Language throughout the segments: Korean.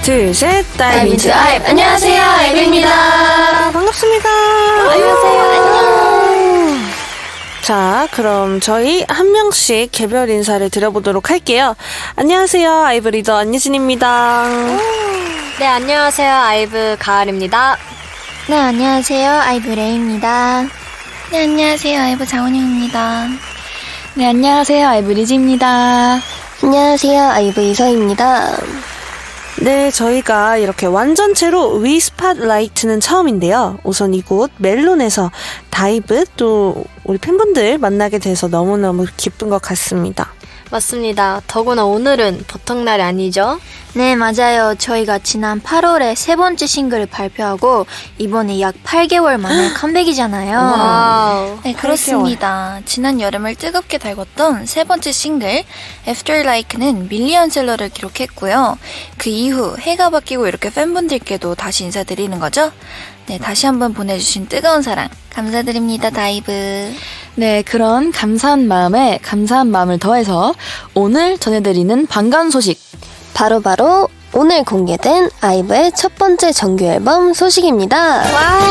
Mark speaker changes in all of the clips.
Speaker 1: 둘, 셋,
Speaker 2: 다이비즈 아이브. 안녕하세요, 아이브입니다.
Speaker 1: 반갑습니다.
Speaker 2: 안녕하세요. 안녕.
Speaker 1: 자, 그럼 저희 한 명씩 개별 인사를 드려보도록 할게요. 안녕하세요, 아이브 리더 안예진입니다.
Speaker 2: 네, 안녕하세요, 아이브 가을입니다.
Speaker 3: 네, 안녕하세요. 아이브 레이입니다.
Speaker 4: 네, 안녕하세요. 아이브 장원영입니다.
Speaker 5: 네, 안녕하세요. 아이브 리지입니다.
Speaker 3: 안녕하세요. 아이브 이서입니다.
Speaker 1: 네, 저희가 이렇게 완전체로 위 스팟라이트는 처음인데요. 우선 이곳 멜론에서 다이브 또 우리 팬분들 만나게 돼서 너무너무 기쁜 것 같습니다.
Speaker 2: 맞습니다. 더구나 오늘은 보통 날이 아니죠?
Speaker 3: 네, 맞아요. 저희가 지난 8월에 세 번째 싱글을 발표하고 이번에 약 8개월 만에 컴백이잖아요.
Speaker 2: 와우.
Speaker 4: 네, 그렇습니다. 지난 여름을 뜨겁게 달궜던 세 번째 싱글 After Like는 밀리언셀러를 기록했고요. 그 이후 해가 바뀌고 이렇게 팬분들께도 다시 인사드리는 거죠. 네, 다시 한번 보내주신 뜨거운 사랑 감사드립니다, 다이브.
Speaker 5: 네, 그런 감사한 마음에 감사한 마음을 더해서 오늘 전해드리는 반가운 소식.
Speaker 3: 바로 오늘 공개된 아이브의 첫 번째 정규 앨범 소식입니다.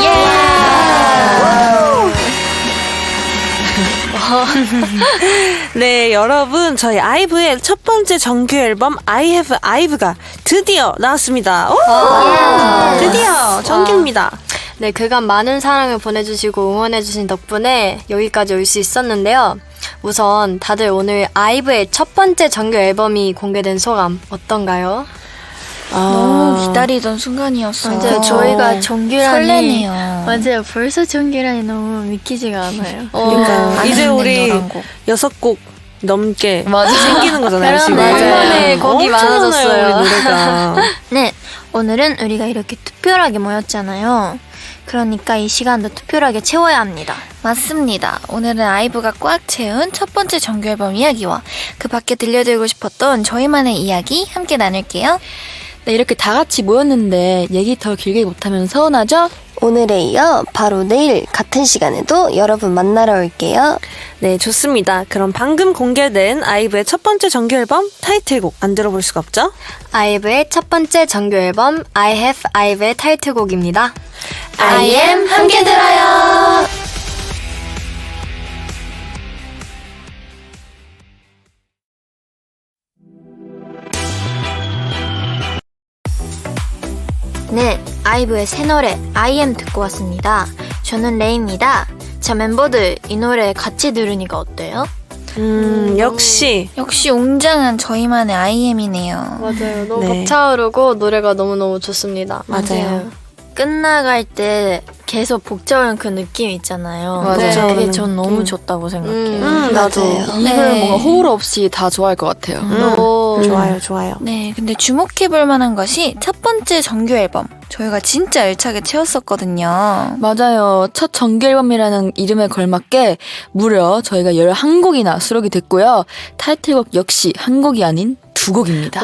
Speaker 1: 네, 여러분, 저희 아이브의 첫 번째 정규 앨범 I Have Ive가 드디어 나왔습니다. 오! 드디어 정규입니다.
Speaker 2: 네, 그간 많은 사랑을 보내주시고 응원해주신 덕분에 여기까지 올 수 있었는데요. 우선 다들 오늘 아이브의 첫 번째 정규 앨범이 공개된 소감 어떤가요?
Speaker 4: 너무 기다리던 순간이었어요.
Speaker 2: 맞아요. 저희가 정규라니
Speaker 4: 설레네요.
Speaker 2: 맞아요. 벌써 정규라니 너무 믿기지가 않아요.
Speaker 1: 그러니까 이제
Speaker 4: 많은
Speaker 1: 우리
Speaker 4: 11곡.
Speaker 1: 6곡 넘게
Speaker 5: 맞아.
Speaker 1: 생기는 거잖아요, 지금.
Speaker 2: 네, 곡이
Speaker 1: 엄청
Speaker 2: 많아졌어요.
Speaker 1: 많아요, 우리 노래가.
Speaker 3: 네, 오늘은 우리가 이렇게 특별하게 모였잖아요. 그러니까 이 시간도 특별하게 채워야 합니다.
Speaker 4: 맞습니다. 오늘은 아이브가 꽉 채운 첫 번째 정규 앨범 이야기와 그 밖에 들려드리고 싶었던 저희만의 이야기 함께 나눌게요.
Speaker 5: 네, 이렇게 다 같이 모였는데 얘기 더 길게 못하면 서운하죠?
Speaker 3: 오늘에 이어 바로 내일 같은 시간에도 여러분 만나러 올게요.
Speaker 1: 네, 좋습니다. 그럼 방금 공개된 아이브의 첫 번째 정규 앨범 타이틀곡 안 들어볼 수가 없죠?
Speaker 2: 아이브의 첫 번째 정규 앨범 I Have Ive의 타이틀곡입니다.
Speaker 3: I am 함께 들어요. 네, 아이브의 새 노래 I am 듣고 왔습니다. 저는 레이입니다. 자, 멤버들 이 노래 같이 들으니까 어때요?
Speaker 1: 역시.
Speaker 4: 역시 웅장한 저희만의 IM이네요.
Speaker 2: 맞아요. 너무
Speaker 1: 네.
Speaker 2: 벅차오르고 노래가 너무너무 좋습니다.
Speaker 1: 맞아요.
Speaker 3: 끝나갈 때 계속 복잡한 그 느낌 있잖아요.
Speaker 5: 맞아요.
Speaker 3: 네, 그게
Speaker 1: 복잡한
Speaker 3: 전 너무
Speaker 1: 느낌.
Speaker 3: 좋다고 생각해요.
Speaker 1: 나도.
Speaker 5: 이걸 뭔가 호울 없이 다 좋아할 것 같아요.
Speaker 1: 좋아요, 좋아요.
Speaker 4: 네, 근데 주목해볼 만한 것이 첫 번째 정규 앨범. 저희가 진짜 알차게 채웠었거든요.
Speaker 5: 맞아요. 첫 정규 앨범이라는 이름에 걸맞게 무려 저희가 11곡이나 수록이 됐고요. 타이틀곡 역시 한 곡이 아닌 두 곡입니다.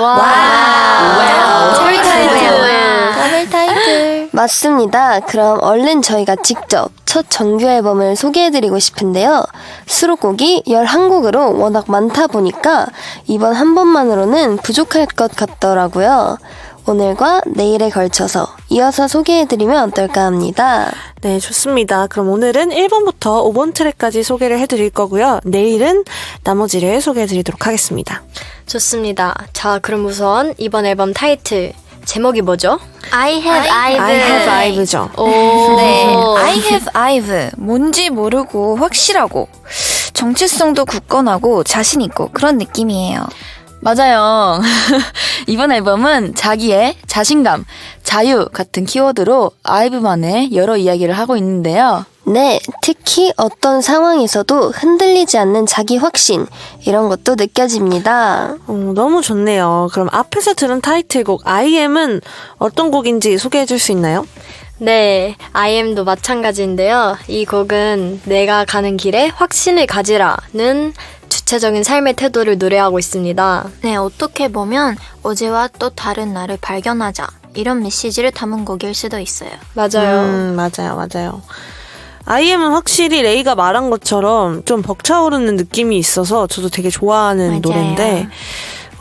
Speaker 2: 와우.
Speaker 4: 더블 타이틀.
Speaker 3: 더블 타이틀. 맞습니다. 그럼 얼른 저희가 직접 첫 정규 앨범을 소개해드리고 싶은데요. 수록곡이 11곡으로 워낙 많다 보니까 이번 한 번만으로는 부족할 것 같더라고요. 오늘과 내일에 걸쳐서 이어서 소개해드리면 어떨까 합니다.
Speaker 1: 네, 좋습니다. 그럼 오늘은 1번부터 5번 트랙까지 소개를 해드릴 거고요. 내일은 나머지를 소개해드리도록 하겠습니다.
Speaker 2: 좋습니다. 자, 그럼 우선 이번 앨범 타이틀 제목이 뭐죠?
Speaker 3: I have
Speaker 1: I have Ive죠.
Speaker 2: 오.
Speaker 4: 네, I have Ive. 뭔지 모르고 확실하고 정체성도 굳건하고 자신 있고 그런 느낌이에요.
Speaker 5: 맞아요. 이번 앨범은 자기의 자신감, 자유 같은 키워드로 아이브만의 여러 이야기를 하고 있는데요.
Speaker 3: 네, 특히 어떤 상황에서도 흔들리지 않는 자기 확신 이런 것도 느껴집니다.
Speaker 1: 너무 좋네요. 그럼 앞에서 들은 타이틀곡 I am은 어떤 곡인지 소개해줄 수 있나요?
Speaker 2: 네, I am도 마찬가지인데요. 이 곡은 내가 가는 길에 확신을 가지라는 주체적인 삶의 태도를 노래하고 있습니다.
Speaker 3: 네, 어떻게 보면 어제와 또 다른 나를 발견하자 이런 메시지를 담은 곡일 수도 있어요.
Speaker 2: 맞아요.
Speaker 1: 맞아요. IM은 확실히 레이가 말한 것처럼 좀 벅차오르는 느낌이 있어서 저도 되게 좋아하는
Speaker 3: 맞아요.
Speaker 1: 노래인데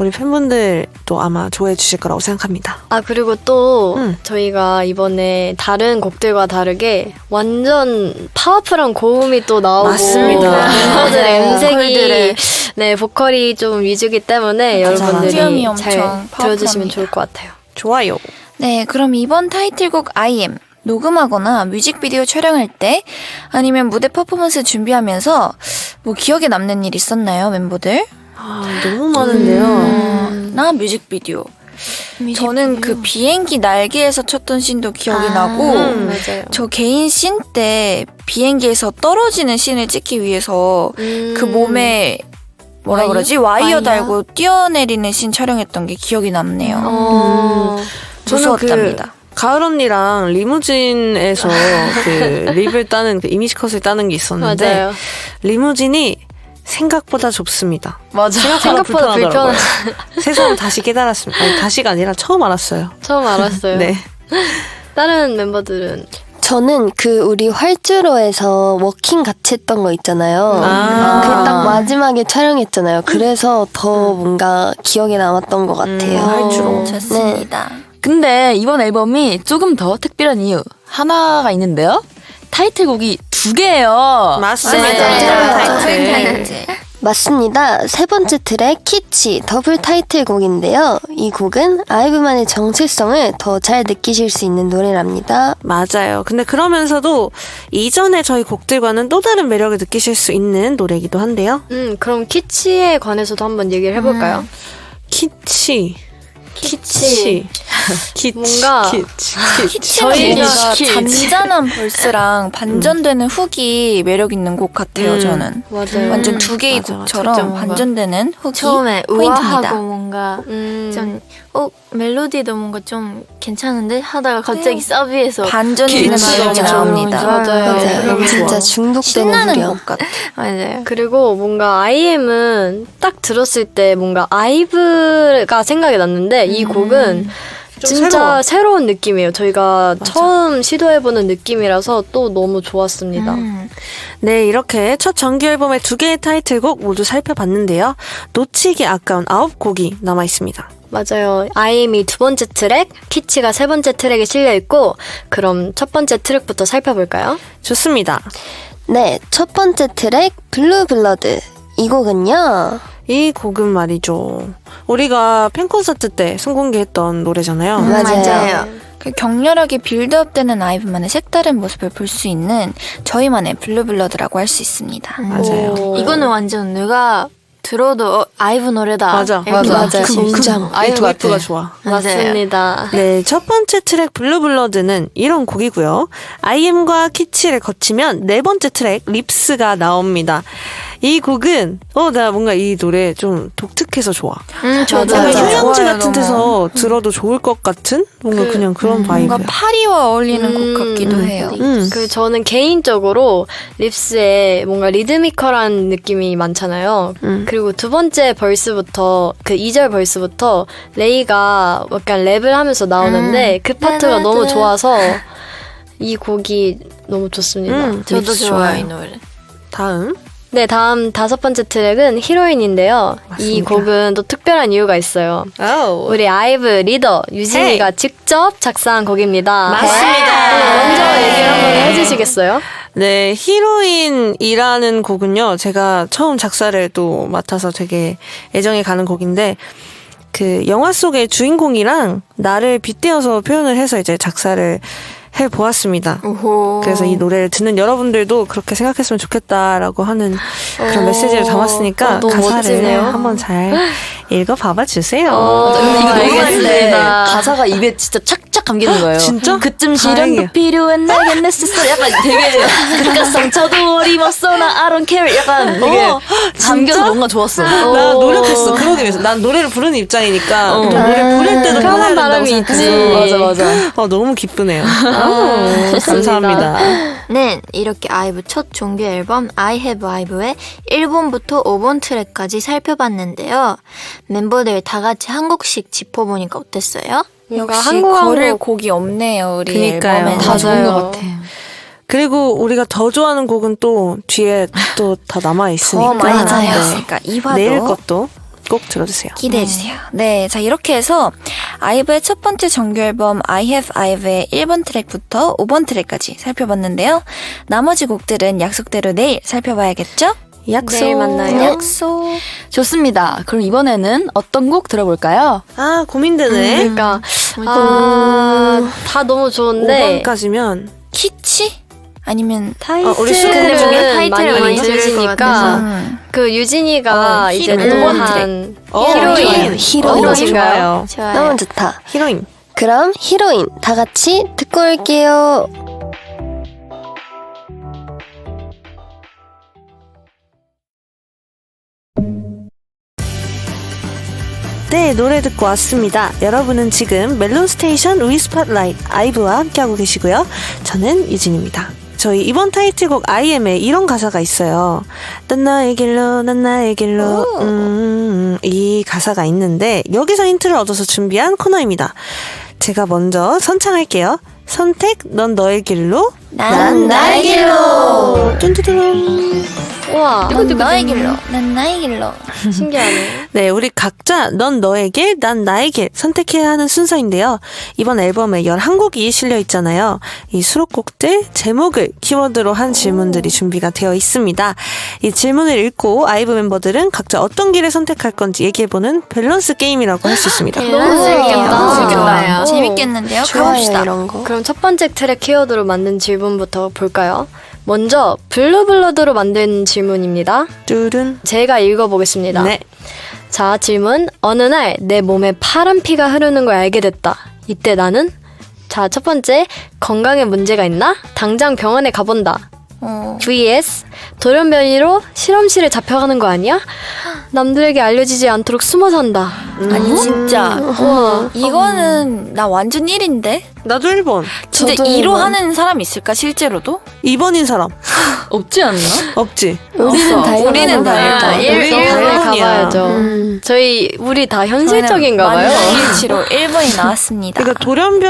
Speaker 1: 우리 팬분들도 아마 좋아해 주실 거라고 생각합니다.
Speaker 2: 아, 그리고 또
Speaker 1: 음.
Speaker 2: 저희가 이번에 다른 곡들과 다르게 완전 파워풀한 고음이 또 나오고
Speaker 1: 맞습니다.
Speaker 2: 멤버들의
Speaker 4: 맞아요.
Speaker 2: 음색이
Speaker 4: 보컬들의
Speaker 2: 네, 보컬이 좀 위주기 때문에
Speaker 1: 맞아,
Speaker 2: 여러분들이
Speaker 4: 비음이
Speaker 2: 잘
Speaker 4: 엄청
Speaker 2: 들어주시면
Speaker 4: 파워풀합니다.
Speaker 2: 좋을 것 같아요.
Speaker 1: 좋아요.
Speaker 4: 네, 그럼 이번 타이틀곡 I am 녹음하거나 뮤직비디오 촬영할 때 아니면 무대 퍼포먼스 준비하면서 뭐 기억에 남는 일 있었나요, 멤버들?
Speaker 1: 너무 많은데요.
Speaker 4: 나 뮤직비디오. 저는 그 비행기 날개에서 쳤던 씬도 기억이 나고
Speaker 2: 맞아요.
Speaker 4: 저 개인 씬 때 비행기에서 떨어지는 씬을 찍기 위해서 그 몸에 뭐라 그러지? 와이어 달고 뛰어내리는 씬 촬영했던 게 기억이 남네요.
Speaker 1: 저는
Speaker 4: 무서웠답니다.
Speaker 1: 가을 언니랑 리무진에서 그 립을 따는 그 이미지 컷을 따는 게 있었는데
Speaker 2: 맞아요.
Speaker 1: 리무진이 생각보다 좁습니다.
Speaker 5: 맞아.
Speaker 2: 생각보다 불편한.
Speaker 1: 세상 다시 깨달았습니다. 아니, 다시가 아니라 처음 알았어요.
Speaker 2: 처음 알았어요.
Speaker 1: 네.
Speaker 2: 다른 멤버들은
Speaker 3: 저는 그 우리 활주로에서 워킹 같이 했던 거 있잖아요.
Speaker 1: 아.
Speaker 3: 그 딱 마지막에 촬영했잖아요. 그래서 더 뭔가 기억에 남았던 것 같아요.
Speaker 1: 활주로.
Speaker 4: 좋습니다.
Speaker 5: 근데 이번 앨범이 조금 더 특별한 이유 하나가 있는데요. 타이틀곡이 2개예요.
Speaker 1: 맞습니다.
Speaker 3: 맞아요.
Speaker 1: 타이틀.
Speaker 3: 맞습니다. 세 번째 트랙 키치 더블 타이틀곡인데요. 이 곡은 아이브만의 정체성을 더 잘 느끼실 수 있는 노래랍니다.
Speaker 1: 맞아요. 근데 그러면서도 이전에 저희 곡들과는 또 다른 매력을 느끼실 수 있는 노래이기도 한데요.
Speaker 2: 그럼 키치에 관해서도 한번 얘기를 해볼까요?
Speaker 1: 키치.
Speaker 2: 키치.
Speaker 1: 키치.
Speaker 2: 뭔가
Speaker 1: 키치.
Speaker 4: 저희가
Speaker 5: 키치.
Speaker 4: 잔잔한 벌스랑 반전되는 훅이 매력 있는 곡 같아요. 저는
Speaker 2: 맞아요.
Speaker 4: 완전 두 개의
Speaker 1: 맞아,
Speaker 4: 곡처럼
Speaker 6: 진짜 뭔가
Speaker 4: 반전되는 훅이
Speaker 6: 처음에
Speaker 4: 포인트입니다.
Speaker 6: 우아하고 뭔가 좀 멜로디도 뭔가 좀 괜찮은데 하다가 갑자기 사비에서
Speaker 4: 반전되는
Speaker 1: 키치가
Speaker 4: 매력이
Speaker 1: 엄청
Speaker 4: 나옵니다.
Speaker 2: 맞아요.
Speaker 3: 맞아요. 진짜 중독되는
Speaker 4: 신나는
Speaker 3: 노래.
Speaker 4: 곡 같아.
Speaker 6: 맞아요.
Speaker 2: 그리고 뭔가 IM은 딱 들었을 때 뭔가 아이브가 생각이 났는데 이 곡은 진짜 새로운 느낌이에요. 저희가 처음 시도해보는 느낌이라서 또 너무 좋았습니다.
Speaker 1: 네, 이렇게 첫 정규 앨범의 2개의 타이틀곡 모두 살펴봤는데요. 놓치기 아까운 9곡이 남아 있습니다.
Speaker 2: 맞아요. IM이 두 번째 트랙, 키치가 세 번째 트랙에 실려있고 그럼 첫 번째 트랙부터 살펴볼까요?
Speaker 1: 좋습니다.
Speaker 3: 네, 첫 번째 트랙 블루 블러드. 이 곡은요.
Speaker 1: 이 곡은 말이죠. 우리가 팬콘서트 때 선공개했던 노래잖아요.
Speaker 3: 맞아요.
Speaker 4: 그 격렬하게 빌드업되는 아이브만의 색다른 모습을 볼 수 있는 저희만의 블루블러드라고 할 수 있습니다.
Speaker 1: 맞아요.
Speaker 2: 오.
Speaker 6: 이거는 완전 누가 들어도 아이브 노래다.
Speaker 1: 맞아.
Speaker 6: 이렇게
Speaker 2: 맞아.
Speaker 6: 느낄 수
Speaker 3: 그
Speaker 6: 있는.
Speaker 3: 문장.
Speaker 1: 이 도입부가 좋아.
Speaker 2: 맞습니다.
Speaker 1: 네, 첫 번째 트랙 블루블러드는 이런 곡이고요. IM과 키치를 거치면 네 번째 트랙 립스가 나옵니다. 이 곡은 나 뭔가 이 노래 좀 독특해서 좋아.
Speaker 2: 저도
Speaker 1: 약간
Speaker 3: 맞아요.
Speaker 1: 휴양지
Speaker 4: 좋아요,
Speaker 1: 같은
Speaker 4: 너무.
Speaker 1: 데서 들어도 좋을 것 같은 뭔가 그냥 그런 바이브야.
Speaker 4: 뭔가 파리와 어울리는 곡 같기도 해요.
Speaker 2: 저는 개인적으로 립스에 뭔가 리드미컬한 느낌이 많잖아요. 그리고 두 번째 벌스부터 그 2절 벌스부터 레이가 약간 랩을 하면서 나오는데 그 파트가 너무 좋아서 이 곡이 너무 좋습니다.
Speaker 6: 저도
Speaker 1: 립스
Speaker 6: 좋아요 이 노래.
Speaker 1: 다음.
Speaker 2: 네, 다음 다섯 번째 트랙은 히로인인데요. 이
Speaker 1: 맞습니다.
Speaker 2: 곡은 또 특별한 이유가 있어요. 우리 아이브 리더 유진이가 직접 작사한 곡입니다.
Speaker 1: 맞습니다.
Speaker 2: 먼저 얘기를 한번 해주시겠어요?
Speaker 1: 네, 히로인이라는 곡은요, 제가 처음 작사를 또 맡아서 되게 애정이 가는 곡인데, 그 영화 속의 주인공이랑 나를 빗대어서 표현을 해서 이제 작사를 해보았습니다. 그래서 이 노래를 듣는 여러분들도 그렇게 생각했으면 좋겠다라고 하는 그런 메시지를 담았으니까
Speaker 2: 너무
Speaker 1: 가사를
Speaker 2: 멋지네요.
Speaker 1: 한번 잘 읽어봐봐 주세요.
Speaker 5: 이거
Speaker 2: 알겠습니다.
Speaker 5: 녹음했는데 가사가 입에 진짜 착착 감기는 거예요.
Speaker 1: 진짜?
Speaker 5: 그쯤
Speaker 1: 다행이야.
Speaker 5: 시련도 필요한 내게 necessary 약간 되게 그러니까 상처도 어림없어 나 I don't care 약간 되게 감겨서 뭔가 좋았어.
Speaker 1: 나 노력했어. 그러기 위해서. 난 노래를 부르는 입장이니까 또 노래 부를 때도
Speaker 2: 편한
Speaker 1: 편해야 된다고
Speaker 2: 바람이
Speaker 1: 생각해서.
Speaker 2: 있지.
Speaker 5: 맞아.
Speaker 1: 너무 기쁘네요. 감사합니다.
Speaker 6: 네, 이렇게 아이브 첫 정규 앨범 I Have Ive의 1번부터 5번 트랙까지 살펴봤는데요. 멤버들 다 같이 한 곡씩 짚어보니까 어땠어요?
Speaker 2: 뭔가
Speaker 4: 역시
Speaker 2: 한국
Speaker 4: 거릴 곡이 없네요 우리
Speaker 1: 그니까요.
Speaker 4: 앨범에.
Speaker 2: 다 좋은 것
Speaker 5: 같아.
Speaker 1: 그리고 우리가 더 좋아하는 곡은 또 뒤에 또 다 남아 있으니까.
Speaker 4: 더 많이
Speaker 1: 네.
Speaker 4: 남았으니까 이화도
Speaker 1: 내일 것도 꼭 들어주세요.
Speaker 4: 기대해주세요. 네, 자 이렇게 해서 아이브의 첫 번째 정규 앨범 I Have IVE의 1번 트랙부터 5번 트랙까지 살펴봤는데요. 나머지 곡들은 약속대로 내일 살펴봐야겠죠?
Speaker 1: 약속.
Speaker 2: 내일 만나요.
Speaker 4: 약속.
Speaker 5: 좋습니다. 그럼 이번에는 어떤 곡 들어볼까요?
Speaker 1: 아, 고민되네.
Speaker 2: 그러니까 다 너무 좋은데
Speaker 1: 5번까지면
Speaker 4: 키치? 아니면
Speaker 1: 우리 수록곡
Speaker 2: 타이틀은
Speaker 6: 타이틀을 많이 들을 것
Speaker 2: 들으시니까
Speaker 6: 같아서.
Speaker 2: 그 유진이가 이제
Speaker 4: 히로인.
Speaker 2: 또한
Speaker 1: 히로인.
Speaker 3: 히로인.
Speaker 2: 좋아요.
Speaker 6: 좋아요.
Speaker 3: 너무 좋다.
Speaker 1: 히로인.
Speaker 3: 그럼 히로인 다 같이 듣고 올게요.
Speaker 1: 네, 노래 듣고 왔습니다. 여러분은 지금 멜론 스테이션 위 스팟라이트 아이브와 함께하고 계시고요. 저는 유진입니다. 저희 이번 타이틀곡 IM에 이런 가사가 있어요. 난 나의 길로, 난 나의 길로. 이 가사가 있는데 여기서 힌트를 얻어서 준비한 코너입니다. 제가 먼저 선창할게요. 선택, 넌 너의 길로,
Speaker 4: 난 나의 길로.
Speaker 1: 뚠뚜두룽.
Speaker 2: 우와,
Speaker 4: 넌 너의 길로. 난 나의 길로.
Speaker 2: 신기하네.
Speaker 1: 네, 우리 각자 넌 너의 길, 난 나의 길 선택해야 하는 순서인데요. 이번 앨범에 11곡이 실려 있잖아요. 이 수록곡들 제목을 키워드로 한 질문들이 준비가 되어 있습니다. 이 질문을 읽고 아이브 멤버들은 각자 어떤 길을 선택할 건지 얘기해보는 밸런스 게임이라고 할 수 있습니다.
Speaker 2: 너무 재밌겠다.
Speaker 4: 재밌겠는데요?
Speaker 3: 좋아요,
Speaker 4: 가봅시다.
Speaker 3: 이런 거.
Speaker 2: 그럼 첫 번째 트랙 키워드로 만든 질문부터 볼까요? 먼저 블루블러드로 만든 질문입니다.
Speaker 1: 뚜른.
Speaker 2: 제가 읽어보겠습니다.
Speaker 1: 네.
Speaker 2: 자, 질문. 어느 날 내 몸에 파란 피가 흐르는 걸 알게 됐다. 이때 나는? 자, 첫 번째. 건강에 문제가 있나? 당장 병원에 가본다. vs. 돌연변이로 실험실에 잡혀가는 거 아니야? 남들에게 알려지지 않도록 숨어 산다.
Speaker 4: 아니 진짜.
Speaker 2: 우와.
Speaker 4: 이거는 나 완전 1인데?
Speaker 1: 나도 1번.
Speaker 4: 진짜
Speaker 3: 저도
Speaker 4: 2로
Speaker 3: 일본.
Speaker 4: 하는 사람 있을까 실제로도?
Speaker 1: 2번인 사람.
Speaker 5: 없지 않나?
Speaker 1: 없지.
Speaker 3: 우리는 다
Speaker 4: 우리는 다
Speaker 3: 일본이다.
Speaker 4: 일본.
Speaker 1: 우리
Speaker 2: 일본에
Speaker 1: 일본이야.
Speaker 2: 가봐야죠. 우리 다 현실적인가 봐요.
Speaker 4: 일치로 1번이 나왔습니다.
Speaker 1: 그러니까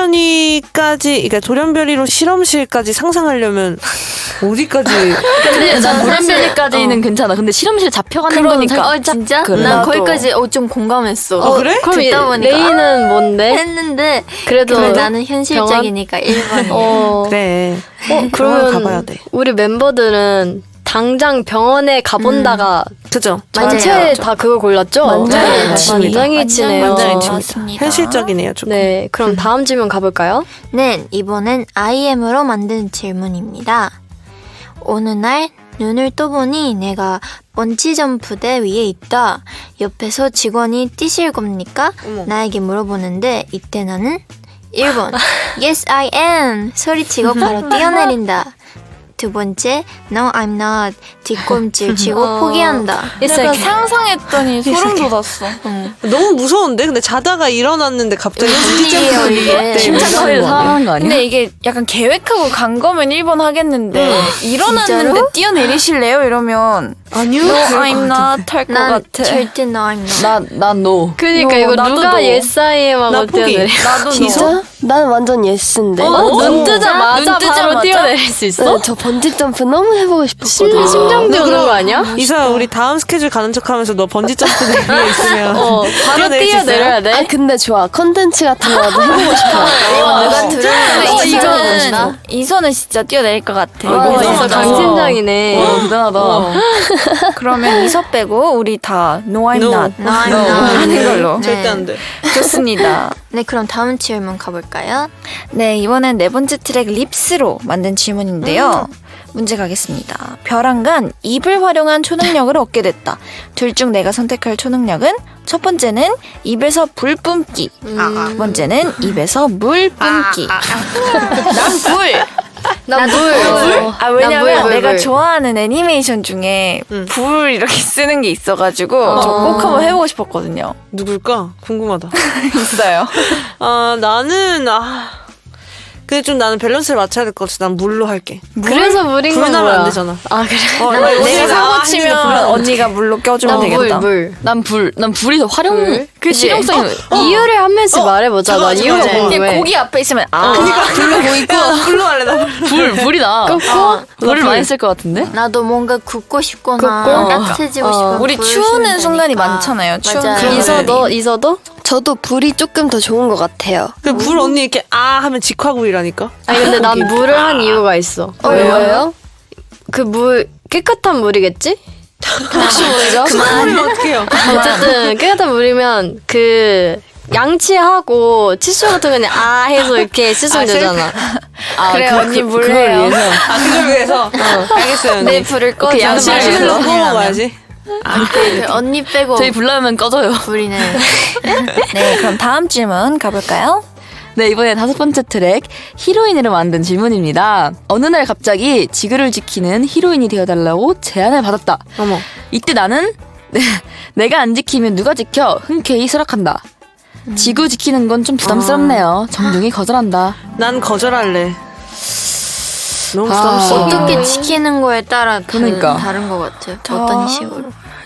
Speaker 1: 그러니까 돌연변이로 실험실까지 상상하려면 어디까지?
Speaker 5: 근데 난 돌연변이까지는 괜찮아. 근데 실험실에 잡혀가는 거니까.
Speaker 6: 진짜?
Speaker 5: 그래.
Speaker 6: 난
Speaker 5: 나도.
Speaker 6: 거기까지 좀 공감했어.
Speaker 1: 어, 그래?
Speaker 2: 그럼
Speaker 6: 듣다 보니까
Speaker 2: 레이는 뭔데?
Speaker 6: 했는데
Speaker 2: 그래도
Speaker 6: 나는 현실적이니까 1번이야.
Speaker 1: 그래. 병원
Speaker 2: 그러면
Speaker 1: 가봐야 돼.
Speaker 2: 우리 멤버들은 당장 병원에 가본다가
Speaker 1: 그죠?
Speaker 2: 전체
Speaker 6: 맞아요.
Speaker 2: 다 그걸 골랐죠?
Speaker 3: 만장일치입니다.
Speaker 2: 만장일치네요.
Speaker 1: 만장일치입니다. 현실적이네요, 조금.
Speaker 2: 네, 그럼 다음 질문 가볼까요?
Speaker 6: 네, 이번엔 IM으로 만든 질문입니다. 어느 날 눈을 떠보니 내가 번지점프대 위에 있다. 옆에서 직원이 뛰실 겁니까?
Speaker 1: 어머.
Speaker 6: 나에게 물어보는데 이때 나는 1번 Yes, I am 소리치고 바로 뛰어내린다. 두 번째 No, I'm not 뒷꿈질 치고 포기한다.
Speaker 4: 약간 상상했더니 소름 돋았어.
Speaker 1: 너무 무서운데? 근데 자다가 일어났는데 갑자기
Speaker 6: 일이에요, 이게.
Speaker 5: 심장소리를 사망한 거 아니야?
Speaker 4: 근데 이게 약간 계획하고 간 거면 1번 하겠는데 일어났는데
Speaker 6: 진짜로?
Speaker 4: 뛰어내리실래요? 이러면
Speaker 1: 아니요.
Speaker 4: No, I'm not 할 것
Speaker 6: 난
Speaker 4: 같아.
Speaker 6: 절대 No, I'm not.
Speaker 5: 난 no.
Speaker 2: 그러니까 이거
Speaker 4: 나도
Speaker 2: 누가
Speaker 4: 너.
Speaker 2: yes I am
Speaker 1: 나
Speaker 2: 하고
Speaker 1: 포기.
Speaker 2: 뛰어내려.
Speaker 4: 나도
Speaker 3: 진짜? 난 완전 예스인데.
Speaker 2: 눈 뜨자마자
Speaker 4: 눈 뜨자마자?
Speaker 2: 바로 뛰어내릴 수 있어?
Speaker 3: 네, 저 번지점프 너무 해보고 싶었거든요.
Speaker 2: 심장도 오는 거 아니야?
Speaker 1: 이사 우리 다음 스케줄 가는 척하면서 너 번지 점프 위에 있으면
Speaker 2: 바로
Speaker 1: 뛰어내릴 수 있어요?
Speaker 2: 뛰어내려야 돼?
Speaker 3: 아, 근데 좋아. 컨텐츠 같은 거라도 해보고 싶어요.
Speaker 6: 누가 들으면
Speaker 4: 이선은 진짜 뛰어내릴 것 같아.
Speaker 2: 와, 진짜
Speaker 1: 대단하다.
Speaker 2: 강심장이네.
Speaker 5: 대단하다.
Speaker 4: 그러면 이서 빼고 우리 다 No, I'm
Speaker 1: No.
Speaker 4: not
Speaker 6: No, I'm not.
Speaker 4: 하는 걸로.
Speaker 1: 절대 안 돼.
Speaker 4: 좋습니다.
Speaker 6: 네, 그럼 다음 질문 가볼까요?
Speaker 4: 네, 이번엔 네 번째 트랙 립스로 만든 질문인데요. 문제 가겠습니다. 벼랑간 입을 활용한 초능력을 얻게 됐다. 둘 중 내가 선택할 초능력은 첫 번째는 입에서 불 뿜기. 두 번째는 입에서 물 뿜기. 난 불.
Speaker 2: 나 물.
Speaker 4: 아 왜냐면
Speaker 2: 물.
Speaker 4: 내가 좋아하는 애니메이션 중에 불 이렇게 쓰는 게 있어가지고 저 꼭 한번 해보고 싶었거든요.
Speaker 1: 누굴까? 궁금하다.
Speaker 4: 있어요.
Speaker 1: 나는 근데 좀 나는 밸런스를 맞춰야 될 것 같아. 난 물로 할게.
Speaker 2: 그래서 물인 건
Speaker 1: 불나면
Speaker 2: 뭐야?
Speaker 1: 안 되잖아.
Speaker 2: 아 그래.
Speaker 4: 내가 사고 치면 언니가 물로 껴주면 되겠다.
Speaker 2: 물.
Speaker 5: 난 불이 더 활용
Speaker 2: 불?
Speaker 5: 그 실용성이
Speaker 2: 이유를 한 명씩 말해보자. 나 이유가 궁금해.
Speaker 4: 고기 앞에 있으면
Speaker 1: 그러니까 불로 보이고 불로 할래 나.
Speaker 5: 불이 나. 불을 많이 쓸 것 같은데?
Speaker 6: 나도 뭔가 굽고 싶거나
Speaker 2: 굽고?
Speaker 6: 따뜻해지고 싶으면
Speaker 4: 우리
Speaker 6: 불을
Speaker 4: 추우는
Speaker 6: 쓰면
Speaker 4: 순간이
Speaker 6: 되니까.
Speaker 4: 많잖아요. 추운
Speaker 6: 맞아요.
Speaker 4: 순간이.
Speaker 2: 이서도?
Speaker 3: 저도 불이 조금 더 좋은 것 같아요.
Speaker 1: 그 불 언니 이렇게 아 하면 직화구이라니까.
Speaker 2: 아니 근데 난 물을 한 이유가 있어.
Speaker 6: 왜요?
Speaker 2: 그 물 깨끗한 물이겠지? 혹시 모르죠?
Speaker 1: 그러면 어떡해요?
Speaker 2: 어쨌든 깨끗한 물이면 그 양치하고 치수 같은 거 그냥 아 해서 이렇게 씻으면 되잖아.
Speaker 4: 그래 언니 물
Speaker 5: 그걸
Speaker 4: 해요.
Speaker 5: 위해서.
Speaker 1: 그걸 위해서. 알겠어요 언니.
Speaker 4: 내 불을 꺼줘.
Speaker 1: 양치를 실로 구워 먹어야지.
Speaker 6: 그 언니 빼고
Speaker 5: 저희 불 나면 꺼져요.
Speaker 6: 불이네.
Speaker 4: 네, 그럼 다음 질문 가볼까요?
Speaker 5: 네, 이번에 5번째 트랙 히로인으로 만든 질문입니다. 어느 날 갑자기 지구를 지키는 히로인이 되어달라고 제안을 받았다.
Speaker 1: 어머.
Speaker 5: 이때 나는 내가 안 지키면 누가 지켜? 흔쾌히 수락한다. 지구 지키는 건 좀 부담스럽네요. 정중히 거절한다.
Speaker 1: 난 거절할래. 너무
Speaker 5: 아.
Speaker 1: 부담스러워.
Speaker 6: 어떻게 지키는 거에 따라
Speaker 5: 그러니까.
Speaker 6: 다른 것 같아요. 어떤 식으로.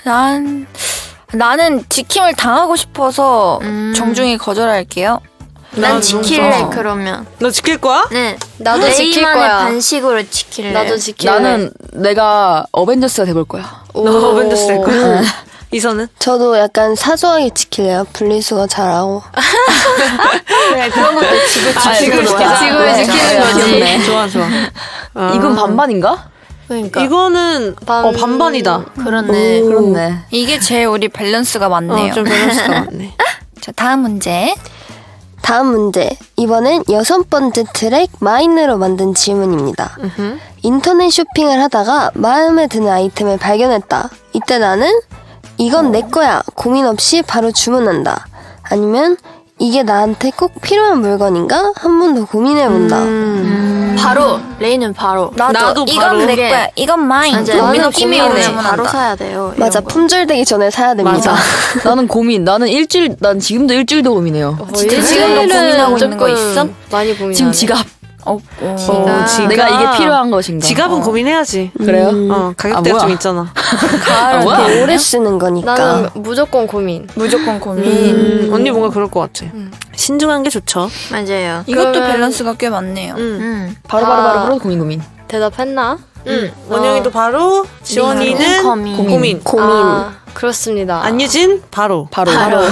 Speaker 4: 나는 지킴을 당하고 싶어서 정중히 거절할게요.
Speaker 6: 난 지킬래
Speaker 1: 너무
Speaker 6: 그러면.
Speaker 1: 너 지킬 거야?
Speaker 6: 네.
Speaker 2: 나도 지킬
Speaker 6: 레이만의
Speaker 2: 거야.
Speaker 6: 반식으로 지킬래.
Speaker 2: 나도 지킬래.
Speaker 5: 나는 내가 어벤져스가 돼볼 거야.
Speaker 1: 너 어벤져스 될 거야? 이선은?
Speaker 3: 저도 약간 사소하게 지킬래요. 분리수거 잘하고.
Speaker 6: 그런 것도
Speaker 2: 지구를 지키는 거지.
Speaker 1: 좋아 좋아.
Speaker 5: 이건 반반인가?
Speaker 6: 그러니까.
Speaker 1: 이거는 반반이다.
Speaker 6: 그렇네.
Speaker 5: 그렇네.
Speaker 4: 이게 제일 우리 밸런스가 맞네요.
Speaker 1: 좀 밸런스가 맞네.
Speaker 4: 자, 다음 문제.
Speaker 3: 다음 문제. 이번엔 6번째 트랙 마인으로 만든 질문입니다. 인터넷 쇼핑을 하다가 마음에 드는 아이템을 발견했다. 이때 나는 이건 내 거야. 고민 없이 바로 주문한다. 아니면 이게 나한테 꼭 필요한 물건인가? 한 번 더 고민해본다.
Speaker 6: 바로 레이는 바로.
Speaker 1: 나도
Speaker 4: 이건
Speaker 1: 바로.
Speaker 4: 내 거야. 이건 마인.
Speaker 6: 맞아요.
Speaker 4: 느낌이
Speaker 6: 고민을
Speaker 4: 오면
Speaker 6: 바로 사야 돼요. 이런
Speaker 3: 맞아.
Speaker 6: 거.
Speaker 3: 품절되기 전에 사야 됩니다.
Speaker 5: 나는 고민. 난 지금도 일주일도 고민해요.
Speaker 4: 지금도 고민하고 있는 거 있어?
Speaker 2: 많이 고민하네.
Speaker 5: 지금 지갑.
Speaker 1: 지갑.
Speaker 5: 내가 이게 필요한 것인가?
Speaker 1: 지갑은 고민해야지.
Speaker 5: 그래요?
Speaker 1: 가격대가
Speaker 5: 아,
Speaker 1: 좀
Speaker 5: 뭐야?
Speaker 1: 있잖아.
Speaker 5: 아, 뭐야?
Speaker 3: 오래 쓰는 거니까.
Speaker 2: 나는 무조건 고민.
Speaker 4: 무조건 고민.
Speaker 1: 언니 뭔가 그럴 것 같아. 신중한 게 좋죠.
Speaker 6: 맞아요.
Speaker 4: 이것도
Speaker 2: 그러면-
Speaker 4: 밸런스가 꽤 많네요.
Speaker 5: 바로 고민.
Speaker 2: 대답했나?
Speaker 1: 원영이도 바로, 지원이는
Speaker 6: 고민.
Speaker 1: 고민.
Speaker 2: 아, 그렇습니다.
Speaker 1: 안유진 바로.
Speaker 5: 바로.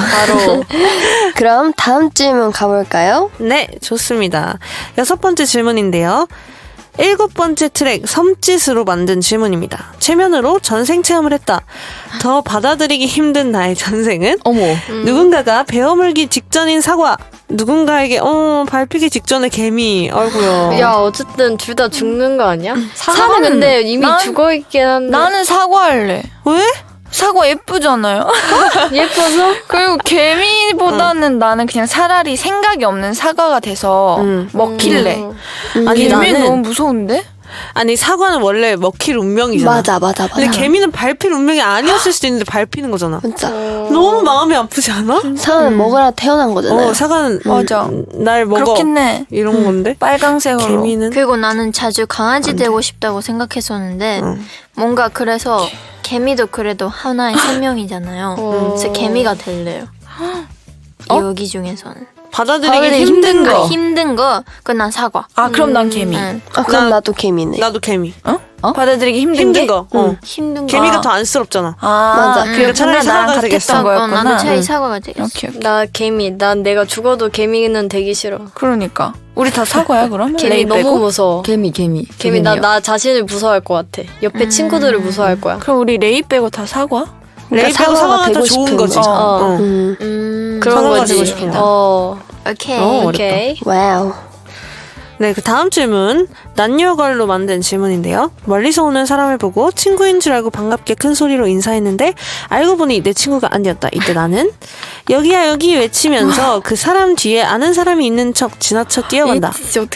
Speaker 3: 그럼 다음 질문 가볼까요?
Speaker 1: 네, 좋습니다. 6번째 질문인데요. 7번째 트랙 섬짓으로 만든 질문입니다. 체면으로 전생 체험을 했다. 더 받아들이기 힘든 나의 전생은
Speaker 5: 어머.
Speaker 1: 누군가가 베어물기 직전인 사과, 누군가에게 밟히기 직전의 개미. 아이고요.
Speaker 2: 야, 어쨌든 둘 다 죽는 거 아니야? 사과는
Speaker 4: 사과는
Speaker 2: 근데 이미
Speaker 4: 난-
Speaker 2: 죽어있긴 한데.
Speaker 4: 나는 사과할래.
Speaker 1: 왜?
Speaker 4: 사과 예쁘잖아요.
Speaker 2: 예뻐서?
Speaker 4: 그리고 개미보다는 나는 그냥 차라리 생각이 없는 사과가 돼서 먹힐래.
Speaker 1: 아니
Speaker 4: 개미는
Speaker 1: 나는
Speaker 4: 너무 무서운데?
Speaker 1: 아니 사과는 원래 먹힐 운명이잖아.
Speaker 3: 맞아.
Speaker 1: 근데 개미는 밟힐 운명이 아니었을 수도 있는데 밟히는 거잖아.
Speaker 3: 진짜.
Speaker 1: 너무 마음이 아프지 않아?
Speaker 3: 사과는 먹으라 태어난 거잖아요.
Speaker 1: 사과는
Speaker 4: 맞아.
Speaker 1: 날 먹어.
Speaker 4: 그렇겠네.
Speaker 1: 이런 건데.
Speaker 4: 빨강색으로.
Speaker 1: 개미는
Speaker 6: 그리고 나는 자주 강아지 되고 싶다고 생각했었는데 뭔가 그래서 개미도 그래도 하나의 생명이잖아요. 그래서 개미가 될래요. 여기 중에서는
Speaker 1: 받아들이기 힘든 거.
Speaker 6: 힘든 거 그건 난 사과.
Speaker 4: 아, 그럼 난 개미.
Speaker 6: 응.
Speaker 3: 그럼
Speaker 1: 나-
Speaker 3: 나도 개미네.
Speaker 1: 나도 개미.
Speaker 4: 받아들이기 힘든
Speaker 1: 힘든
Speaker 4: 게?
Speaker 1: 거.
Speaker 6: 힘든 거.
Speaker 1: 개미가 더 안쓰럽잖아.
Speaker 4: 아,
Speaker 3: 맞아.
Speaker 1: 그러니까 차라리
Speaker 4: 근데 나랑
Speaker 1: 사과가 되겠어.
Speaker 4: 같았던 거였구나.
Speaker 6: 나도 차라리 사과가 되겠어.
Speaker 4: 오케이, 오케이.
Speaker 2: 나 개미. 난 내가 죽어도 개미는 되기 싫어.
Speaker 4: 그러니까. 우리 다 사과야, 그럼?
Speaker 2: 개미
Speaker 4: 레이
Speaker 2: 너무
Speaker 4: 빼고?
Speaker 2: 무서워.
Speaker 5: 개미.
Speaker 2: 개미 나 자신을 무서워할 것 같아. 옆에 친구들을 무서워할 거야.
Speaker 4: 그럼 우리 레이 빼고 다 사과?
Speaker 1: 레이 빼고
Speaker 3: 사과가
Speaker 1: 사과가 더
Speaker 3: 되고
Speaker 1: 좋은
Speaker 3: 싶은
Speaker 1: 거지.
Speaker 3: 거지.
Speaker 1: 어.
Speaker 2: 그런
Speaker 1: 사과가
Speaker 2: 거지.
Speaker 1: 되고 싶은 거.
Speaker 6: 오케이.
Speaker 2: 오케이.
Speaker 3: 와우.
Speaker 1: 네, 그 다음 질문. 난녀걸로 만든 질문인데요. 멀리서 오는 사람을 보고 친구인 줄 알고 반갑게 큰 소리로 인사했는데 알고 보니 내 친구가 아니었다. 이때 나는 여기야 여기 외치면서 그 사람 뒤에 아는 사람이 있는 척 지나쳐 뛰어간다.
Speaker 4: 진짜 어떡해?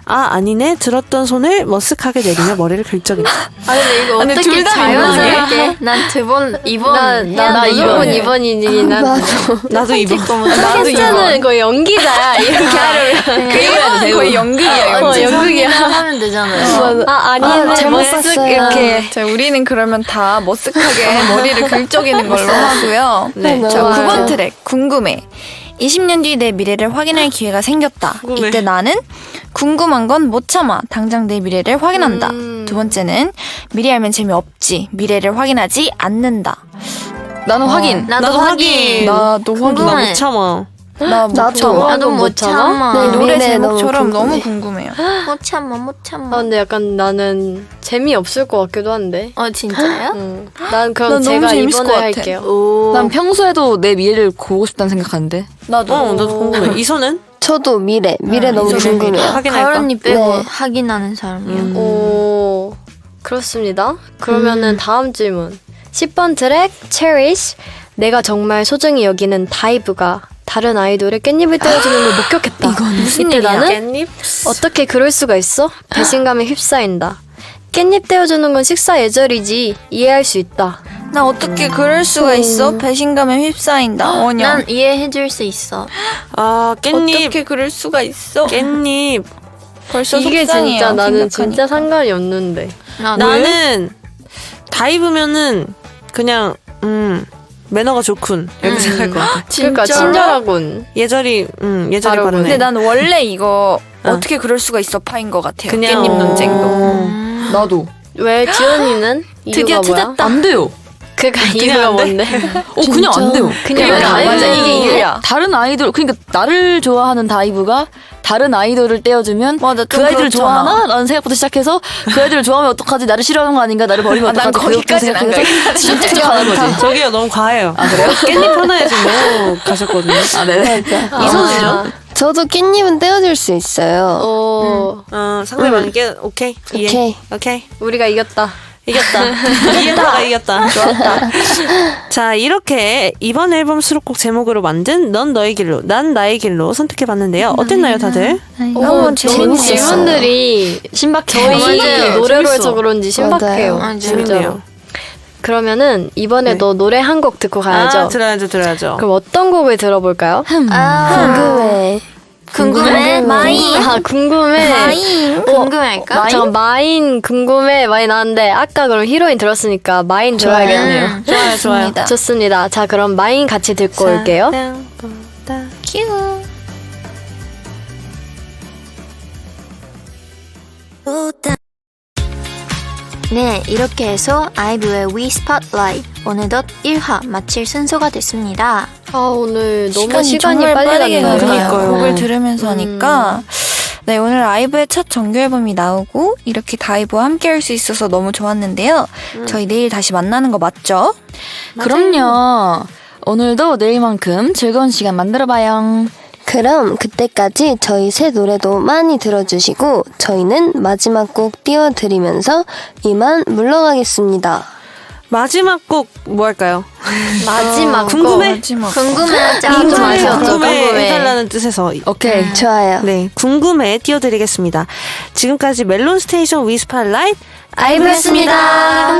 Speaker 1: 아니네. 들었던 손을 머쓱하게 내리며 머리를 긁적인다.
Speaker 2: 아 근데 이거
Speaker 5: 근데
Speaker 2: 어떻게
Speaker 5: 둘다
Speaker 2: 자연스럽게?
Speaker 6: 난 두 번, 2번.
Speaker 2: 나 무조건 2번이지.
Speaker 1: 나도 이번.
Speaker 2: 는 거의 연기자야. 이렇게 하려면.
Speaker 5: 거의 연극이에요.
Speaker 2: 연극이야.
Speaker 6: 하면 되잖아요.
Speaker 2: 아니네.
Speaker 3: 잘못
Speaker 2: 머쓱
Speaker 3: 봤어요.
Speaker 2: 이렇게.
Speaker 4: 자, 우리는 그러면 다 머쓱하게 머리를 긁적이는 걸로 하고요.
Speaker 1: 네.
Speaker 4: 자,
Speaker 3: 좋아요.
Speaker 4: 9번 트랙 궁금해. 20년 뒤 내 미래를 확인할 기회가 생겼다.
Speaker 1: 궁금해.
Speaker 4: 이때 나는 궁금한 건 못 참아. 당장 내 미래를 확인한다. 두 번째는 미래 알면 재미없지. 미래를 확인하지 않는다.
Speaker 5: 나는 확인.
Speaker 6: 나도 확인.
Speaker 4: 나도 확인.
Speaker 1: 나
Speaker 6: 궁금해.
Speaker 1: 못 참아.
Speaker 4: 나못
Speaker 3: 나도.
Speaker 4: 참아.
Speaker 6: 나도 못 참아.
Speaker 3: 네,
Speaker 4: 노래
Speaker 3: 미래
Speaker 4: 제목처럼
Speaker 3: 너무
Speaker 4: 너무
Speaker 3: 궁금해.
Speaker 4: 궁금해요.
Speaker 6: 못 참아, 못
Speaker 2: 아
Speaker 6: 참아.
Speaker 2: 근데 약간 나는 재미없을 것 같기도 한데.
Speaker 6: 진짜요?
Speaker 2: 난 그럼
Speaker 4: 난 너무
Speaker 2: 제가
Speaker 4: 재밌을
Speaker 2: 2번을
Speaker 4: 것 같아.
Speaker 2: 할게요.
Speaker 6: 오.
Speaker 5: 난 평소에도 내 미래를 보고 싶다는 생각하는데.
Speaker 1: 나도 궁금해. 이소는?
Speaker 3: 저도 미래 너무
Speaker 1: 이소는
Speaker 3: 궁금해요.
Speaker 1: 확인할
Speaker 6: 가을
Speaker 1: 거.
Speaker 6: 언니 빼고
Speaker 3: 네.
Speaker 6: 확인하는 사람이요.
Speaker 2: 오, 그렇습니다. 그러면은 다음 질문. 10번 트랙 Cherish. 내가 정말 소중히 여기는 다이브가 다른 아이돌의 깻잎을 떼어주는 걸 목격했다.
Speaker 4: 무슨
Speaker 2: 이때
Speaker 4: 일이야?
Speaker 2: 나는
Speaker 1: 깻잎?
Speaker 2: 어떻게 그럴 수가 있어? 배신감에 휩싸인다. 깻잎 떼어주는 건 식사 예절이지. 이해할 수 있다.
Speaker 4: 나 어떻게 그럴 수가 있어? 배신감에 휩싸인다. 원영.
Speaker 6: 난 이해해줄 수 있어.
Speaker 1: 깻잎.
Speaker 4: 어떻게 그럴 수가 있어?
Speaker 1: 깻잎.
Speaker 4: 벌써
Speaker 2: 이게
Speaker 4: 속상해요,
Speaker 2: 진짜 나는
Speaker 4: 생각하니까.
Speaker 2: 진짜 상관이 없는데.
Speaker 1: 나는 다이브면은 그냥 매너가 좋군 이렇게 생각할 것 같아.
Speaker 2: 그러니까 친절하군.
Speaker 1: 예절이 예절이
Speaker 2: 바로
Speaker 1: 바르네.
Speaker 4: 근데 난 원래 이거 어떻게 그럴 수가 있어 파인 것 같아요.
Speaker 1: 그냥
Speaker 4: 깻잎 논쟁도.
Speaker 5: 나도.
Speaker 2: 왜 지연이는
Speaker 4: 드디어
Speaker 2: 이유가 뭐야?
Speaker 4: 찾았다.
Speaker 5: 안 돼요.
Speaker 2: 그니까
Speaker 1: 그냥
Speaker 2: 이유가
Speaker 1: 안 돼?
Speaker 2: 뭔데?
Speaker 5: 그냥 안 돼요.
Speaker 2: 그냥
Speaker 4: 그러니까
Speaker 2: 안 돼.
Speaker 4: 맞아, 이게 이유야.
Speaker 5: 다른 아이돌, 그러니까 나를 좋아하는 다이브가 다른 아이돌을 떼어주면
Speaker 4: 맞아, 좀
Speaker 5: 그 아이들을
Speaker 4: 그렇잖아.
Speaker 5: 좋아하나? 라는 생각부터 시작해서 그 아이들을 좋아하면 어떡하지? 나를 싫어하는 거 아닌가? 나를 버리면
Speaker 4: 난
Speaker 5: 어떡하지?
Speaker 4: 거기까지는 안
Speaker 5: 생각해서 진짜 가는 거지.
Speaker 1: 저기요 너무 과해요. 아 그래요? 깻잎 하나에 지금 너무 가셨거든요.
Speaker 5: 아, 네.
Speaker 1: 이소는요?
Speaker 3: 저도 깻잎은 떼어줄 수 있어요.
Speaker 1: 상대방에게 오케이. 이해.
Speaker 3: 오케이.
Speaker 2: 우리가 이겼다.
Speaker 1: 이겼다. 이겼다. 좋았다. 자, 이렇게 이번 앨범 수록곡 제목으로 만든 넌 너의 길로, 난 나의 길로 선택해봤는데요. 어땠나요, 다들?
Speaker 2: 너무
Speaker 3: 재밌었어요.
Speaker 2: 질문들이
Speaker 5: 신박해요.
Speaker 2: 저희
Speaker 6: 맞아요.
Speaker 2: 노래로 해서 그런지 신박해요.
Speaker 3: 맞아요.
Speaker 2: 진짜로. 그러면은 이번에도 노래 한 곡 듣고 가야죠.
Speaker 1: 들어야죠.
Speaker 2: 그럼 어떤 곡을 들어볼까요?
Speaker 3: 궁금해.
Speaker 6: 궁금해? 마인.
Speaker 2: 아 궁금해.
Speaker 6: 마인. 궁금할까?
Speaker 2: 잠깐 마인 궁금해 많이 나왔는데 아까 그럼 히로인 들었으니까 마인 들어야겠네요.
Speaker 1: 좋아요.
Speaker 2: 좋습니다. 자 그럼 마인 같이 듣고 올게요.
Speaker 4: 큐.
Speaker 6: 네, 이렇게 해서 아이브의 We Spotlight 어느덧 1화 마칠 순서가 됐습니다.
Speaker 2: 아 오늘 너무 시간이
Speaker 4: 정말
Speaker 2: 빨리
Speaker 4: 빠르게
Speaker 2: 갔네요.
Speaker 4: 가네요.
Speaker 1: 그러니까요.
Speaker 4: 곡을 들으면서 하니까. 네, 오늘 아이브의 첫 정규 앨범이 나오고 이렇게 다이브와 함께 할 수 있어서 너무 좋았는데요. 저희 내일 다시 만나는 거 맞죠?
Speaker 5: 그럼요. 오늘도 내일만큼 즐거운 시간 만들어봐요.
Speaker 3: 그럼 그때까지 저희 새 노래도 많이 들어주시고 저희는 마지막 곡 띄워드리면서 이만 물러가겠습니다.
Speaker 1: 마지막 곡 뭐 할까요?
Speaker 2: 마지막
Speaker 1: 궁금해?
Speaker 4: 마지막.
Speaker 6: 궁금해하자.
Speaker 2: 좀 아쉬웠죠.
Speaker 1: 궁금해 해달라는 뜻에서
Speaker 5: 오케이.
Speaker 3: 좋아요.
Speaker 1: 네, 궁금해 띄워드리겠습니다. 지금까지 멜론 스테이션 위스팔라이트
Speaker 6: 아이브였습니다.